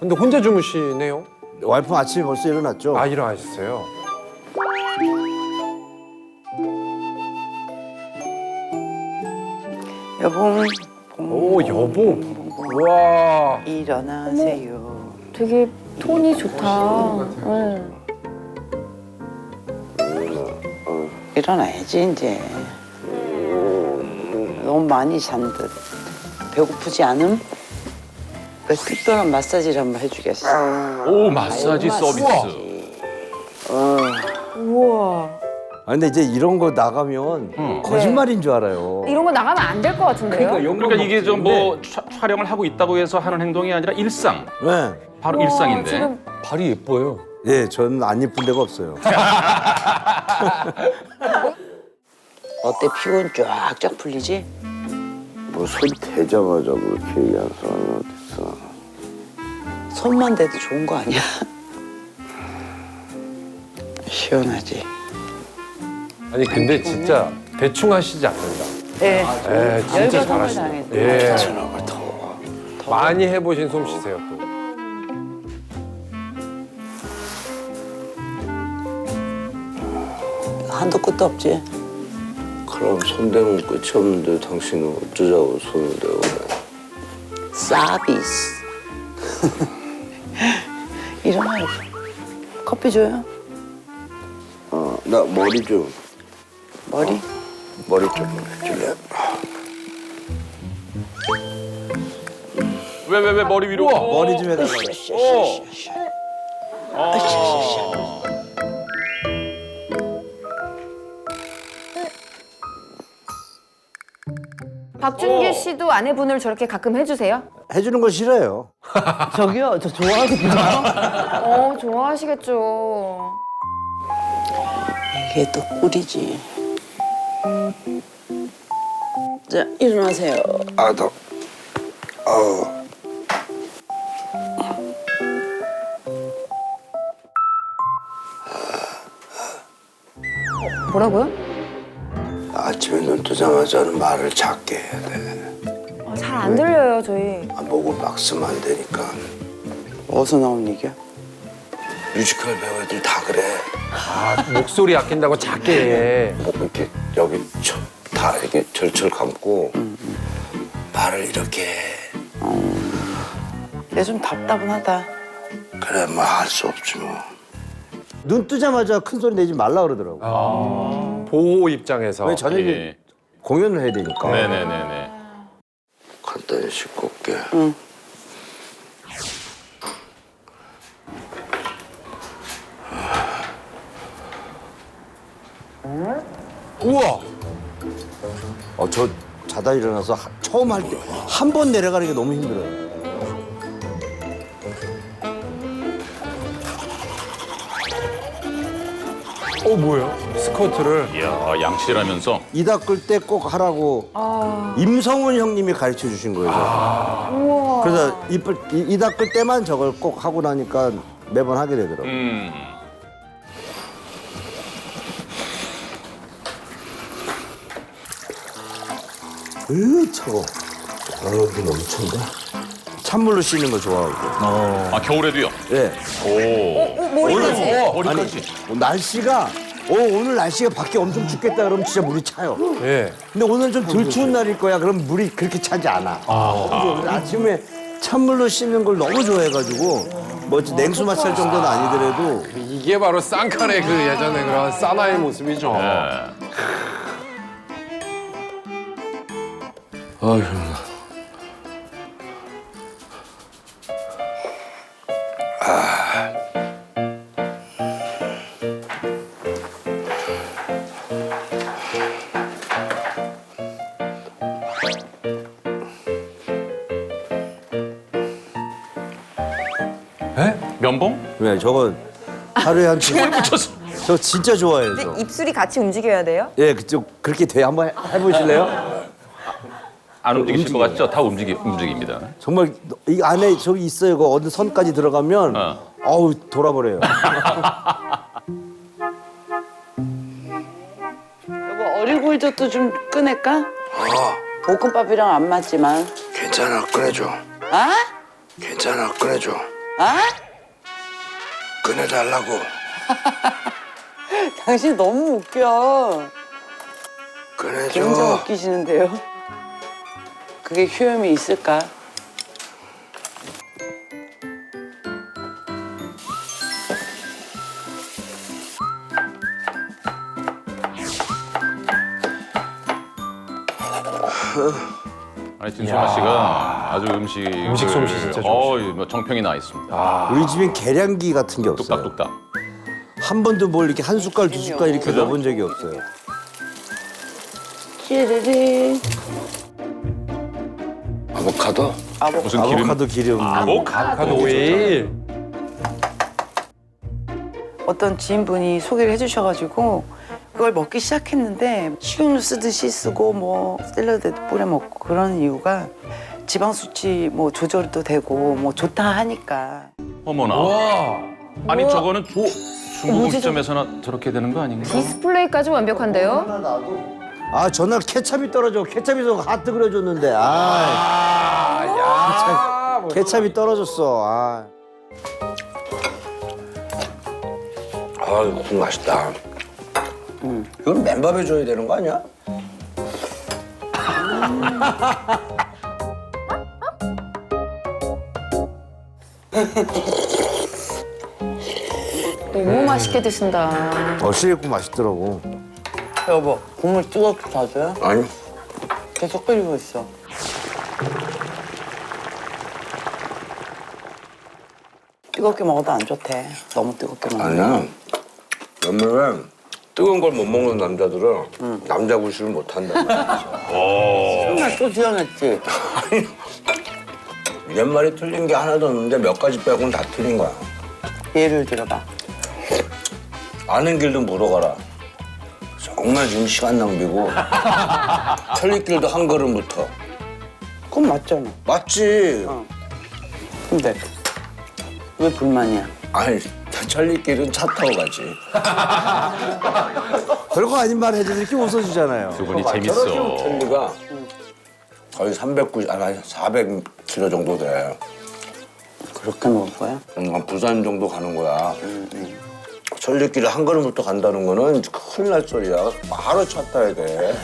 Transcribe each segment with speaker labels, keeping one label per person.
Speaker 1: 근데 혼자 주무시네요?
Speaker 2: 와이프 아침에 벌써 일어났죠?
Speaker 1: 아, 일어나셨어요?
Speaker 3: 여봉
Speaker 1: 오, 여보. 와.
Speaker 3: 일어나세요.
Speaker 4: 되게 톤이 좋다. 응.
Speaker 3: 일어나야지 이제. 너무 많이 잔 듯. 배고프지 않음? 그 특별한 마사지를 한번 해주겠어.
Speaker 5: 오, 마사지 서비스.
Speaker 4: 우와.
Speaker 2: 아, 근데 이제 이런 거 나가면 거짓말인 줄 알아요.
Speaker 4: 이런 거 나가면 안 될 것 같은데요?
Speaker 5: 그러니까 이게 좀 뭐 촬영을 하고 있다고 해서 하는 행동이 아니라 일상.
Speaker 2: 네.
Speaker 5: 바로
Speaker 4: 우와,
Speaker 5: 일상인데.
Speaker 4: 지금
Speaker 1: 발이 예뻐요.
Speaker 2: 예, 저는 안 예쁜 데가 없어요.
Speaker 3: 어때 피곤 쫙쫙 풀리지?
Speaker 6: 뭐 손 대자마자 그렇게 얘기하는 사람은 어딨어.
Speaker 3: 손만 대도 좋은 거 아니야? 시원하지?
Speaker 1: 아니, 근데 진짜 대충 하시지 않는다.
Speaker 3: 네.
Speaker 1: 예, 진짜
Speaker 3: 열과 성을
Speaker 1: 잘하시네.
Speaker 3: 당했네.
Speaker 1: 예.
Speaker 6: 저녁을 더.
Speaker 1: 많이 해보신 솜씨세요, 또.
Speaker 3: 한도 끝도 없지?
Speaker 6: 그럼 손대면 끝이 없는데 당신은 어쩌자고 손을 대고 그래.
Speaker 3: 서비스. 일어나요. 커피 줘요?
Speaker 6: 나 머리 좀,
Speaker 3: 머리?
Speaker 6: 머리 좀 해줄래?
Speaker 5: 왜 머리 위로?
Speaker 2: 머리 좀 해달라고.
Speaker 4: 박준규 씨도 아내분을 저렇게 가끔 해주세요?
Speaker 2: 해주는 거 싫어요.
Speaker 3: 저기요, 저 좋아하거든요.
Speaker 4: 좋아하시겠죠.
Speaker 3: 이게 또 꿀이지. 자, 일어나세요.
Speaker 6: 아, 나,
Speaker 4: 뭐라고요?
Speaker 6: 아침에 눈 뜨자마자는 말을 작게 해야 돼.
Speaker 4: 잘 안 들려요, 저희.
Speaker 6: 목을 막 쓰면 안 되니까.
Speaker 3: 어디서 나온 얘기야?
Speaker 6: 뮤지컬 배우들 다 그래.
Speaker 1: 아, 목소리 아낀다고 작게 해.
Speaker 6: 목 이렇게 여기 다 이렇게 절철 감고 말을 이렇게 해.
Speaker 3: 얘 좀 답답하다.
Speaker 6: 그래, 뭐 할 수 없지 뭐.
Speaker 2: 눈 뜨자마자 큰 소리 내지 말라 그러더라고.
Speaker 1: 보호 입장에서.
Speaker 2: 왜 저녁에
Speaker 5: 예.
Speaker 2: 공연을 해야 되니까.
Speaker 5: 네네네네.
Speaker 6: 간단히 씻고 올게.
Speaker 3: 응.
Speaker 1: 우와!
Speaker 2: 저 자다 일어나서 처음 할 때 한 번 내려가는 게 너무 힘들어요.
Speaker 1: 뭐예요? 스쿼트를.
Speaker 5: 이야, 양치라면서.
Speaker 2: 이 닦을 때 꼭 하라고 임성훈 형님이 가르쳐 주신 거예요.
Speaker 4: 우와.
Speaker 2: 그래서 이 닦을 때만 저걸 꼭 하고 나니까 매번 하게 되더라고요. 차워. 여기 너무 찬데? 찬물로 씻는 거 좋아하고.
Speaker 5: 아, 겨울에도요?
Speaker 2: 예.
Speaker 5: 오.
Speaker 4: 머리까지.
Speaker 5: 머리까지.
Speaker 2: 날씨가 오늘 날씨가 밖에 엄청 춥겠다 그러면 진짜 물이 차요.
Speaker 1: 예.
Speaker 2: 근데 오늘 좀 덜 추운 날일 거야. 그럼 물이 그렇게 차지 않아. 그래서 아침에 찬물로 씻는 걸 너무 좋아해가지고 뭐 냉수 마찰 정도는 아니더라도
Speaker 1: 이게 바로 쌍칼의 그 예전에 그런 사나의 모습이죠.
Speaker 6: 아휴.
Speaker 5: 면봉?
Speaker 2: 왜 저거 하루에 한 번
Speaker 5: 붙였어.
Speaker 2: 저 진짜 좋아해요. 저.
Speaker 4: 입술이 같이 움직여야 돼요?
Speaker 2: 예, 그쪽 그렇게 돼 한번 해보실래요?
Speaker 5: 안 움직이실 것 같죠? 다 움직입니다.
Speaker 2: 정말 이 안에 저기 있어요. 그 어느 선까지 들어가면 어우 돌아버려요.
Speaker 3: 여보, 어리굴젓도 좀 꺼낼까? 볶음밥이랑 안 맞지만.
Speaker 6: 괜찮아, 꺼내줘.
Speaker 3: 아?
Speaker 6: 괜찮아, 꺼내줘.
Speaker 3: 아?
Speaker 6: 꺼내달라고.
Speaker 3: 당신 너무 웃겨. 굉장히
Speaker 6: 꺼내줘.
Speaker 3: 웃기시는데요. 그게 효험이 있을까?
Speaker 5: 아니 진소마 씨가 아주 음식
Speaker 1: 솜씨 진짜 좋으시죠.
Speaker 5: 뭐 정평이 나 있습니다.
Speaker 2: 우리 집엔 계량기 같은 게 없어요.
Speaker 5: 뚝딱뚝딱.
Speaker 2: 한 번도 뭘 이렇게 한 숟갈 두 숟갈 이렇게
Speaker 5: 그죠?
Speaker 2: 넣어본 적이 없어요.
Speaker 3: 찌르리.
Speaker 6: 아보카도?
Speaker 5: 무슨 기름?
Speaker 2: 아보카도 기름.
Speaker 1: 아보카도 오일.
Speaker 3: 어떤 지인분이 소개를 해주셔가지고 그걸 먹기 시작했는데 식용유 쓰듯이 쓰고 뭐 샐러드에도 뿌려 먹고 그런 이유가 지방 수치 뭐 조절도 되고 뭐 좋다 하니까.
Speaker 5: 어머나. 아니 저거는 중국 음식점에서나 저렇게 되는 거 아닌가?
Speaker 4: 디스플레이까지 완벽한데요?
Speaker 2: 아 전날 케찹이 떨어져. 케찹에서 하트 그려줬는데. 케찹이 떨어졌어. 아.
Speaker 6: 아, 이거 국 맛있다. 이건 맨밥에 줘야 되는 거 아니야?
Speaker 4: 너무 맛있게 드신다.
Speaker 2: 시래국 맛있더라고.
Speaker 3: 여보 국물 뜨겁게 놔줘요?
Speaker 6: 아니.
Speaker 3: 계속 끓이고 있어. 뜨겁게 먹어도 안 좋대. 너무 뜨겁게 먹으면.
Speaker 6: 아니야. 왜냐면 뜨거운 걸 못 먹는 남자들은 남자 구실을 못 한단 말이야.
Speaker 3: 정말 또 지어냈지.
Speaker 6: 옛말이 틀린 게 하나도 없는데 몇 가지 빼고는 다 틀린 거야.
Speaker 3: 예를 들어봐.
Speaker 6: 아는 길도 물어가라. 정말 지금 시간 낭비고 천리길도 한 걸음부터.
Speaker 3: 그건 맞잖아.
Speaker 6: 맞지?
Speaker 3: 근데 왜 불만이야?
Speaker 6: 아니 천리길은 차 타고 가지.
Speaker 2: 별거 아닌 말 해도 이렇게 웃어주잖아요.
Speaker 5: 두 분이 재밌어.
Speaker 6: 천리가 거의 400km 정도 돼.
Speaker 3: 그렇게 먹을 거야?
Speaker 6: 부산 정도 가는 거야. 천리길을 한 걸음부터 간다는 거는 큰일 날 소리야. 바로 차 타야 돼.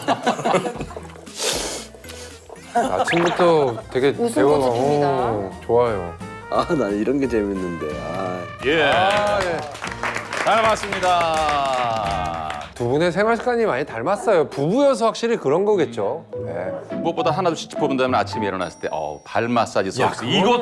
Speaker 1: 아침부터 되게
Speaker 4: 웃음
Speaker 1: 대화가
Speaker 4: 꽃이
Speaker 1: 좋아요.
Speaker 2: 난 이런 게 재밌는데.
Speaker 5: 예. 잘 봤습니다.
Speaker 1: 두 분의 생활 습관이 많이 닮았어요. 부부여서 확실히 그런 거겠죠. 네.
Speaker 5: 무엇보다 하나도 짚어본다면 아침에 일어났을 때 발 마사지 서비스.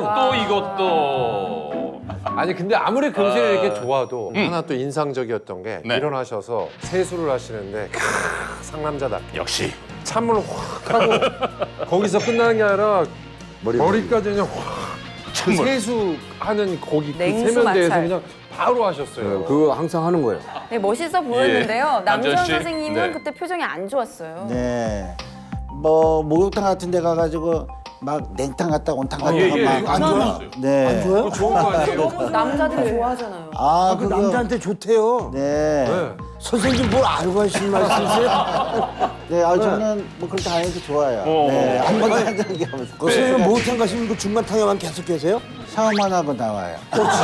Speaker 5: 이것도.
Speaker 1: 아니 근데 아무리 금실이 이렇게 좋아도 하나 또 인상적이었던 게
Speaker 5: 네.
Speaker 1: 일어나셔서 세수를 하시는데 상남자답게
Speaker 5: 역시.
Speaker 1: 찬물을 확 하고 거기서 끝나는 게 아니라 머리까지 그냥 확 그 세수하는 거기 그
Speaker 4: 냉수
Speaker 1: 세면대에서
Speaker 4: 마찰.
Speaker 1: 그냥 바로 하셨어요.
Speaker 2: 그거 항상 하는 거예요.
Speaker 4: 네, 멋있어 보였는데요.
Speaker 5: 남전
Speaker 4: 남전
Speaker 5: 씨?
Speaker 4: 선생님은
Speaker 5: 네.
Speaker 4: 그때 표정이 안 좋았어요.
Speaker 7: 네. 뭐 목욕탕 같은 데 가가지고 막 냉탕 갔다 온탕 갔다
Speaker 5: 예, 예.
Speaker 7: 막 안 좋아. 네. 안 좋아요?
Speaker 1: 좋은 거 아니에요?
Speaker 4: 남자들이 좋아하잖아요.
Speaker 7: 아,
Speaker 2: 그
Speaker 7: 그거.
Speaker 2: 남자한테 좋대요.
Speaker 7: 네.
Speaker 1: 네.
Speaker 2: 선생님 뭘 알고 하시는 말씀이세요?
Speaker 7: 네. 저는 뭐 그렇게 다니도 좋아요.
Speaker 5: 어.
Speaker 7: 네. 한 번도 한 적이 없어요.
Speaker 2: 그 선생님 목욕탕 가시면 그 중간탕에만 계속 계세요?
Speaker 7: 샤워만 하고 나와요.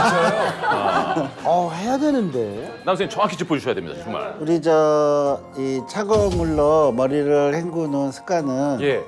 Speaker 2: 해야 되는데.
Speaker 5: 남선생님 정확히 짚어주셔야 됩니다. 정말.
Speaker 7: 우리 이 차가운 물로 머리를 헹구는 습관은
Speaker 1: 예.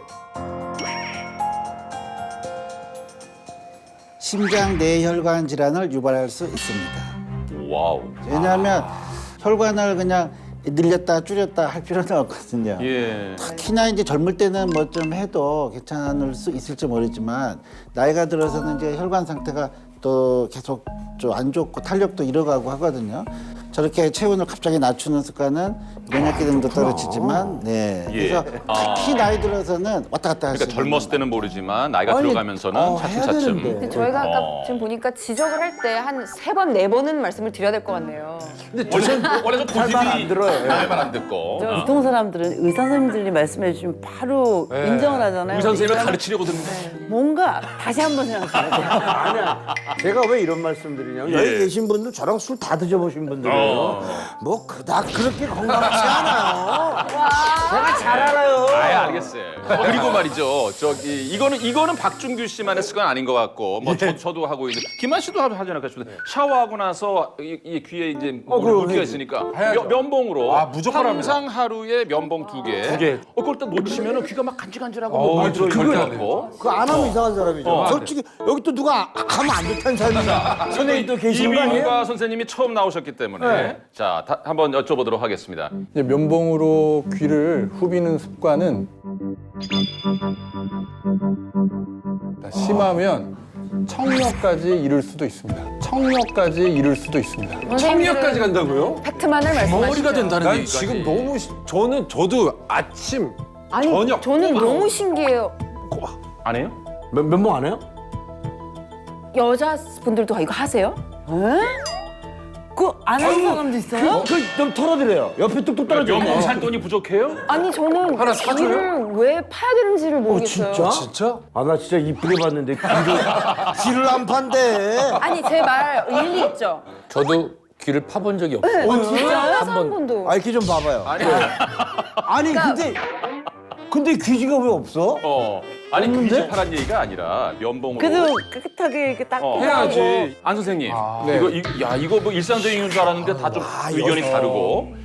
Speaker 7: 심장 내혈관 질환을 유발할 수 있습니다.
Speaker 5: 와우.
Speaker 7: 왜냐하면 혈관을 그냥 늘렸다 줄였다 할 필요는 없거든요.
Speaker 5: 예.
Speaker 7: 특히나 이제 젊을 때는 뭐 좀 해도 괜찮을 수 있을지 모르지만 나이가 들어서는 이제 혈관 상태가 또 계속 좀 안 좋고 탄력도 잃어가고 하거든요. 저렇게 체온을 갑자기 낮추는 습관은 면역 기능도 떨어지지만, 네.
Speaker 5: 예.
Speaker 7: 그래서 특히 나이 들어서는 왔다 갔다 할 수
Speaker 5: 그러니까
Speaker 7: 있는
Speaker 5: 젊었을 때는 모르지만 나이가
Speaker 2: 아니,
Speaker 5: 들어가면서는
Speaker 2: 해야
Speaker 5: 차츰차츰.
Speaker 2: 되는데.
Speaker 4: 근데 저희가 아까 지금 보니까 지적을 할 때 한 3번, 4번은 말씀을 드려야 될 것 같네요.
Speaker 5: 원래 좀 고집이
Speaker 2: 안 들어요.
Speaker 5: 말안 듣고.
Speaker 3: 보통 사람들은 의사 선생님들이 말씀해 주시면 바로
Speaker 1: 네.
Speaker 3: 인정을 하잖아요.
Speaker 5: 의사 선생님을
Speaker 3: 근데
Speaker 5: 가르치려고 듣는데.
Speaker 3: 뭔가 다시 한번 생각해야 돼요.
Speaker 2: 제가 왜 이런 말씀 드리냐면 여기 계신 분들 저랑 술 다 드셔보신 분들이에요. 뭐 그닥 그렇게 건강하지 않아요. 제가 잘 알아요.
Speaker 5: 알겠어요. 그리고 말이죠. 저기 이거는 박준규 씨만의 습관 아닌 것 같고 뭐 저도 하고 있는 김한 씨도 하잖아요. 샤워하고 나서 이 귀에 이제 물기가 있으니까 면봉으로
Speaker 1: 무조건 합니다.
Speaker 5: 항상 하루에 면봉 2개. 그걸 또 놓치면은 귀가 막 간질간질하고 뭐 물이
Speaker 1: 절대
Speaker 5: 절대
Speaker 1: 안
Speaker 5: 않고.
Speaker 2: 그거 안 하면 이상한 사람이죠. 솔직히 여기 또 누가 하면 안 좋다는 사람이 선생님 또 계시는 거 아니에요?
Speaker 5: 이민가 선생님이 처음 나오셨기 때문에 자 한번 여쭤보도록 하겠습니다.
Speaker 8: 이제 면봉으로 귀를 후비는 습관은 심하면 청력까지 이를 수도 있습니다. 청력까지 이를 수도 있습니다.
Speaker 1: 청력까지 간다고요?
Speaker 4: 팩트만을 말씀하시죠.
Speaker 5: 머리가 된다는
Speaker 1: 난
Speaker 5: 얘기까지.
Speaker 1: 지금 너무 저도 아침
Speaker 4: 아니
Speaker 1: 저녁
Speaker 4: 저는 너무 신기해요.
Speaker 5: 안 해요?
Speaker 2: 면봉 안 해요?
Speaker 4: 여자분들도 이거 하세요?
Speaker 3: 그거 안 하는 사람도 있어요?
Speaker 2: 그좀 털어드려요. 옆에 뚝뚝 떨어져.
Speaker 5: 면봉 살 돈이 부족해요?
Speaker 4: 아니 저는
Speaker 1: 하나 사줘요?
Speaker 4: 귀를 왜 파야 되는지를 모르겠어요.
Speaker 2: 진짜? 아 나 진짜 이쁘게 봤는데 귀를 안 판대.
Speaker 4: 아니 제 말 일리 있죠.
Speaker 9: 저도 귀를 파본 적이 없어요.
Speaker 4: 진짜요? 한 번도.
Speaker 2: 아 이렇게 좀 봐봐요. 아니 근데 귀지가 왜 없어?
Speaker 5: 아니 귀지 파란 얘기가 아니라 면봉으로.
Speaker 3: 그래도 깨끗하게 이렇게 딱
Speaker 1: 해야지.
Speaker 5: 안 선생님,
Speaker 8: 네.
Speaker 5: 이거 뭐 일상적인 줄 알았는데 다 좀 의견이 다르고.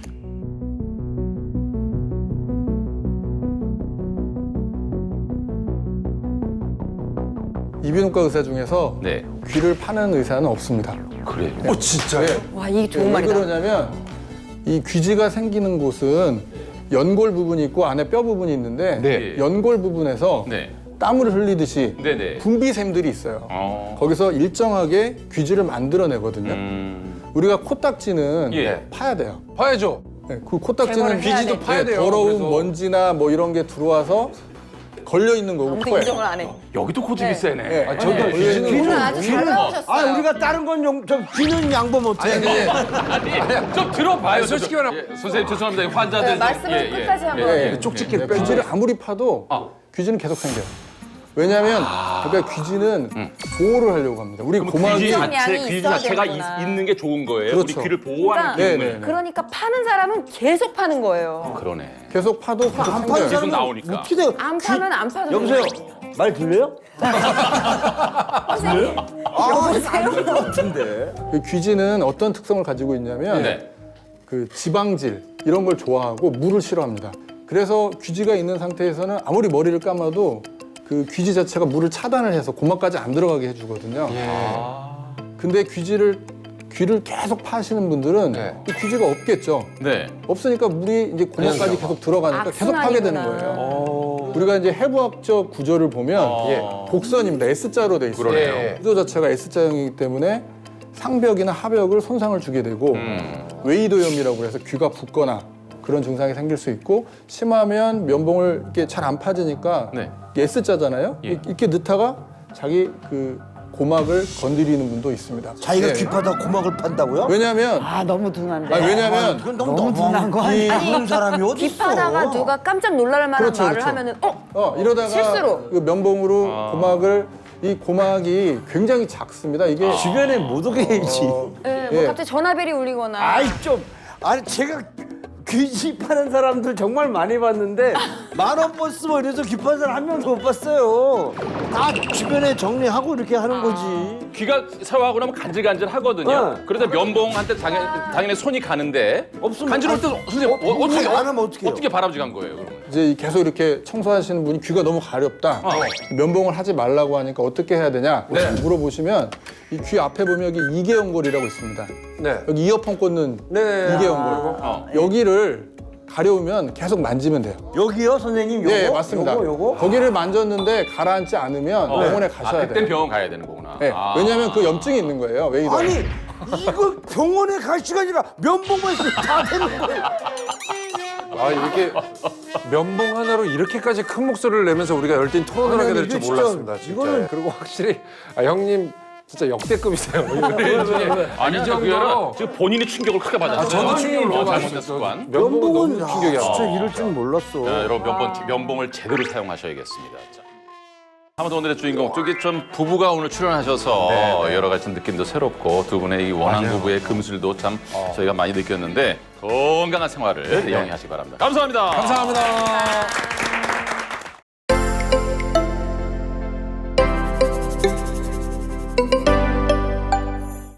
Speaker 8: 이비인후과 의사 중에서
Speaker 5: 네,
Speaker 8: 귀를 파는 의사는 없습니다.
Speaker 5: 그래.
Speaker 1: 진짜요?
Speaker 4: 와 이게 좋은
Speaker 8: 왜
Speaker 4: 말이다.
Speaker 8: 그러냐면 이 귀지가 생기는 곳은 연골 부분이 있고 안에 뼈 부분이 있는데
Speaker 5: 네.
Speaker 8: 연골 부분에서
Speaker 5: 네,
Speaker 8: 땀을 흘리듯이
Speaker 5: 네네.
Speaker 8: 분비샘들이 있어요. 거기서 일정하게 귀지를 만들어내거든요. 우리가 코딱지는
Speaker 5: 예.
Speaker 8: 파야 돼요.
Speaker 1: 봐야죠.
Speaker 8: 네, 그 코딱지는
Speaker 4: 제거를 해야
Speaker 1: 귀지도
Speaker 4: 돼.
Speaker 1: 파야 돼요.
Speaker 8: 더러운
Speaker 1: 그래서.
Speaker 8: 먼지나 뭐 이런 게 들어와서 걸려 있는 거고
Speaker 4: 아무튼
Speaker 8: 코에.
Speaker 4: 인정을 안 해.
Speaker 5: 여기도 고집이 세네.
Speaker 8: 네.
Speaker 1: 저도 귀지는
Speaker 4: 오늘 아주 잘 나오셨어요.
Speaker 2: 아 우리가 다른 건 저 귀는 양보 못해.
Speaker 5: 아니, 좀 들어봐요.
Speaker 1: 솔직히 말하면
Speaker 5: 선생님 죄송합니다. 환자들.
Speaker 4: 네, 말씀을 끝까지 한번.
Speaker 8: 쪽집게 귀지를 아무리 파도 귀지는 계속 생겨요. 왜냐하면 그러니까 귀지는 보호를 하려고 합니다. 우리 고막이
Speaker 5: 귀지
Speaker 4: 양이
Speaker 5: 귀지
Speaker 4: 있어야
Speaker 5: 자체가
Speaker 4: 되는구나.
Speaker 5: 있는 게 좋은 거예요.
Speaker 8: 그렇죠.
Speaker 5: 우리 귀를 보호하는
Speaker 4: 그러니까,
Speaker 5: 기능을.
Speaker 8: 네네.
Speaker 4: 그러니까 파는 사람은 계속 파는 거예요.
Speaker 5: 그러네.
Speaker 8: 계속 파도 계속
Speaker 2: 안 파는
Speaker 8: 생겨요.
Speaker 5: 계속
Speaker 2: 사람은
Speaker 5: 나오니까.
Speaker 2: 어떻게 돼요?
Speaker 4: 안 파면 안 파는
Speaker 2: 여보세요. 말 들려요?
Speaker 4: 선생님.
Speaker 2: 안될것 같은데.
Speaker 8: 그 귀지는 어떤 특성을 가지고 있냐면
Speaker 5: 네.
Speaker 8: 그 지방질 이런 걸 좋아하고 물을 싫어합니다. 그래서 귀지가 있는 상태에서는 아무리 머리를 감아도 그 귀지 자체가 물을 차단을 해서 고막까지 안 들어가게 해주거든요. 근데 귀를 계속 파시는 분들은 이 귀지가 없겠죠.
Speaker 5: 네.
Speaker 8: 없으니까 물이 이제 고막까지 계속 들어가니까 계속 파게 되는
Speaker 4: 악순환이구나.
Speaker 8: 거예요. 우리가 이제 해부학적 구조를 보면 곡선입니다. S자로 돼 있어요.
Speaker 5: 그러네요.
Speaker 8: 구조 자체가 S자형이기 때문에 상벽이나 하벽을 손상을 주게 되고 웨이도염이라고 해서 귀가 붓거나 그런 증상이 생길 수 있고 심하면 면봉을 이렇게 잘 안 파지니까
Speaker 5: 네.
Speaker 8: S자잖아요.
Speaker 5: 예.
Speaker 8: 이렇게 넣다가 자기 그 고막을 건드리는 분도 있습니다.
Speaker 2: 자기가
Speaker 8: 예.
Speaker 2: 귀 파다 고막을 판다고요?
Speaker 8: 왜냐하면
Speaker 3: 아 너무 둔한데.
Speaker 8: 왜냐면
Speaker 2: 그건 너무 둔한 거 아니야? 그런 사람이 어디 있어?
Speaker 4: 귀파다가 누가 깜짝 놀랄 만한
Speaker 8: 그렇죠,
Speaker 4: 말을
Speaker 8: 그렇죠.
Speaker 4: 하면은
Speaker 8: 이러다가
Speaker 4: 실수로.
Speaker 8: 그 면봉으로 이 고막이 굉장히 작습니다. 이게
Speaker 2: 주변에 못 오게 해야지.
Speaker 4: 네, 뭐
Speaker 8: 예.
Speaker 4: 갑자기 전화벨이 울리거나
Speaker 2: 아이 좀 아니 제가 귀지 파는 사람들 정말 많이 봤는데 10,000원 버스 뭐 이래서 귀 파는 사람 한 명도 못 봤어요. 다 주변에 정리하고 이렇게 하는 거지.
Speaker 5: 귀가 샤워하고 나면 간질간질 하거든요.
Speaker 2: 네.
Speaker 5: 그러다 면봉한테 당연히 손이 가는데
Speaker 2: 없으면
Speaker 5: 간지러울 때 선생님 어떻게
Speaker 2: 안 하면 어떡해요?
Speaker 5: 어떻게 바람직한 거예요? 그러면?
Speaker 8: 이제 계속 이렇게 청소하시는 분이 귀가 너무 가렵다. 면봉을 하지 말라고 하니까 어떻게 해야 되냐 물어보시면 이 귀 앞에 보면 여기 이계연골이라고 있습니다.
Speaker 1: 네.
Speaker 8: 여기 이어폰 꽂는
Speaker 1: 네.
Speaker 8: 이계연골. 여기를 가려우면 계속 만지면 돼요.
Speaker 2: 여기요 선생님 요거?
Speaker 8: 네, 맞습니다.
Speaker 2: 요거?
Speaker 8: 거기를 만졌는데 가라앉지 않으면 병원에 가셔야
Speaker 5: 그땐
Speaker 8: 돼요.
Speaker 5: 병원 가야 되는 거구나.
Speaker 8: 네, 왜냐하면 그 염증이 있는 거예요. 웨이더.
Speaker 2: 아니 이거 병원에 갈 시간이라 면봉만 있으면 다 되는 거예요.
Speaker 1: 아 이렇게 면봉 하나로 이렇게까지 큰 목소리를 내면서 우리가 열띤 토론을 하게 될 줄
Speaker 2: 이게 진짜,
Speaker 1: 몰랐습니다. 진짜.
Speaker 2: 이거는-
Speaker 1: 그리고 확실히 형님 진짜 역대급이세요.
Speaker 5: 아니
Speaker 1: 이
Speaker 5: 이
Speaker 1: 정도로
Speaker 5: 정도로 지금 본인이 충격을 크게 받았어요.
Speaker 1: 저도 충격을 너무
Speaker 5: 잘못된
Speaker 1: 받았어요.
Speaker 5: 습관.
Speaker 1: 면봉은
Speaker 2: 면봉은
Speaker 1: 너무 충격이야.
Speaker 2: 진짜 이럴 줄 몰랐어.
Speaker 5: 자, 여러분 면봉을 제대로 사용하셔야겠습니다. 자. 아무튼 오늘의 주인공 저기 좀 부부가 오늘 출연하셔서 여러 가지 느낌도 새롭고 두 분의 이 원한 부부의 금술도 참 저희가 많이 느꼈는데 건강한 생활을 영위하시기 바랍니다. 감사합니다.
Speaker 1: 감사합니다.